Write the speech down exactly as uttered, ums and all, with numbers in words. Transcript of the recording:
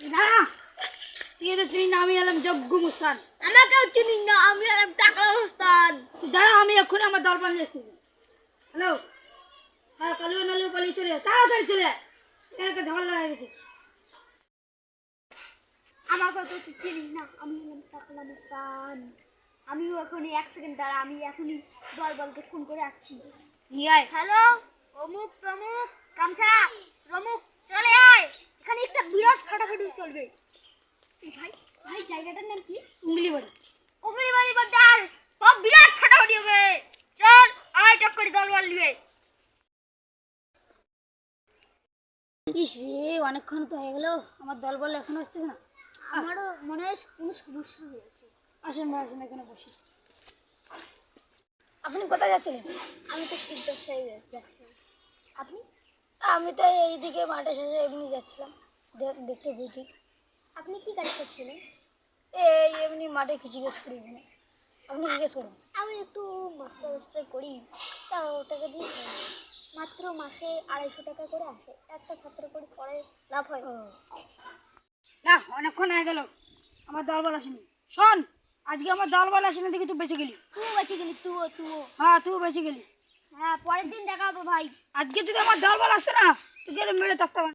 না তুই তো চিনি না, আমি এলাম যজ্ঞ মুস্তান। আমাকেও চিনি না, আমি এলাম টাকলা মুস্তান। দাঁড়া, আমি এক্ষুনি আমার দরবার নিয়ে এসেছি। হ্যালো, হ্যাঁ কালিও নালিও পালিয়ে চলে আয়, তাড়াতাড়ি চলে আয়, এখানে একটা ঝগড়া হয়ে গেছে। আমাকেও তো তুই চিনিস না, আমি এলাম টাকলা মুস্তান। আমিও এখনই এক সেকেন্ড দাঁড়া, আমি এখনই দলবলকে ফোন করে আসছি। নিয়ে আয়। হ্যালো, অমুক তমুক কামছা রমুক, চলে আয়, এখানে একটা বিরাট ফাটাফাটি চলবে। ভাই ভাই জায়গাটার নাম কি? উঙ্গলি বাড়ি। উমরি বাড়ি বাড্ডার সব বিরাট ফাটাফাটি হবে। চল আয়, চক্করি দলবল নিবে। ইস রে, অনেকক্ষণ তো হয়ে গেল, আমার দলবল এখনো আসছে না। আমারও মনে হয় কোনো সমস্যা হয়েছে। আসেন ভাই, আসেন এখানে বসি। আপনি কোথায় যাচ্ছিলেন? আমি তো সিদ্ধ হয়ে যাচ্ছি। আপনি? আমি তো এইদিকে মাঠে শেষে এমনি যাচ্ছিলাম, দেখ- দেখতে বুঝি। আপনি কি কাজ করছিলেন? এই এমনি মাঠে কিছু জিজ্ঞেস করি এখানে। আপনি জিজ্ঞেস করুন। আমি একটু মাস্টার মাস্টার করি, তা টাকা দিয়ে মাত্র মাসে আড়াইশো টাকা করে আসে। একটা ছাত্র করে পড়ে লাভ হয়। না, অনেকক্ষণ হয়ে গেল, আমার দলবল আসেনি। শোন, আজকে আমার দলবল আসেনি দেখি তুই বেঁচে গেলি। তুই বেঁচে গেলি, তুইও তুইও। হ্যাঁ, তুই বেঁচে গেলি। হ্যাঁ, পরের দিন দেখা হবে ভাই। আজকে যদি আমার দলবল আসতো না, তুই মেরে থাকতে